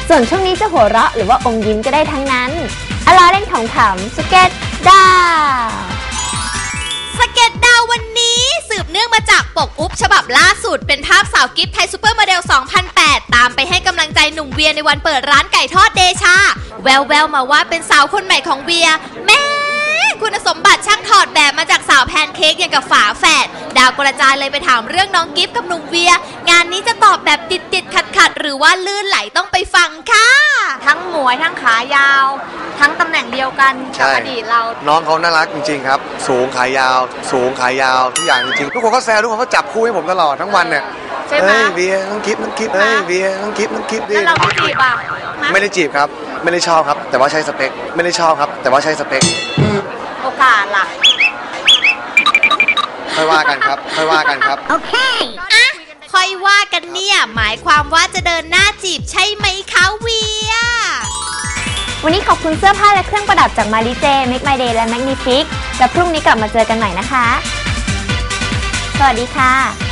ส่วนช่วงนี้จะหัวเราะหรือว่าอมยิ้มก็ได้ทั้งนั้นล้อเล่นขำๆสเก็ตดาวสเก็ตดาววันนี้สืบเนื่องมาจากปกอุ๊บฉบับล่าสุดเป็นภาพสาวกิฟต์ไทยซูเปอร์โมเดล 2008 ตามไปให้กำลังใจหนุ่มเวียในวันเปิดร้านไก่ทอดเดชาแววๆมาว่าเป็นสาวคนใหม่ของเวียแม่คุณสมบัติช่างถอดแบบมาจากสาวแพนเค้กอย่างกับฝาแฝดดาวกระจายเลยไปถามเรื่องน้องกิฟต์กับหนุ่มเวียงานนี้จะตอบแบบติดขัดหรือว่าลื่นไหลต้องไปฟังค่ะทั้งหมวยทั้งขายาวทั้งตำแหน่งเดียวกันกับอดีตเราน้องเขาน่ารักจริงๆครับสูงขายาวทุกอย่างจริงๆทุกคนก็แซวทุกคนก็จับคู่ให้ผมตลอดทั้งวันเนี่ยใช่ไหมเบียร์น้องกิฟต์เฮ้ยเบียร์น้องกิฟต์แล้วเราไม่จีบอ่ะไม่ได้จีบครับไม่ได้ชอบครับแต่ว่าใช่สเปคไม่ได้ชอบครับแต่ว่าใช่สเปคโอกาสล่ะค่อยว่ากันครับโอเคอะค่อยว่ากันเนี่ยหมายความว่าจะเดินหน้าจีบใช่ไหมคะเวียวันนี้ขอบคุณเสื้อผ้าและเครื่องประดับจากมาริเจ Make My Day และ Magnifique และพรุ่งนี้กลับมาเจอกันใหม่นะคะสวัสดีค่ะ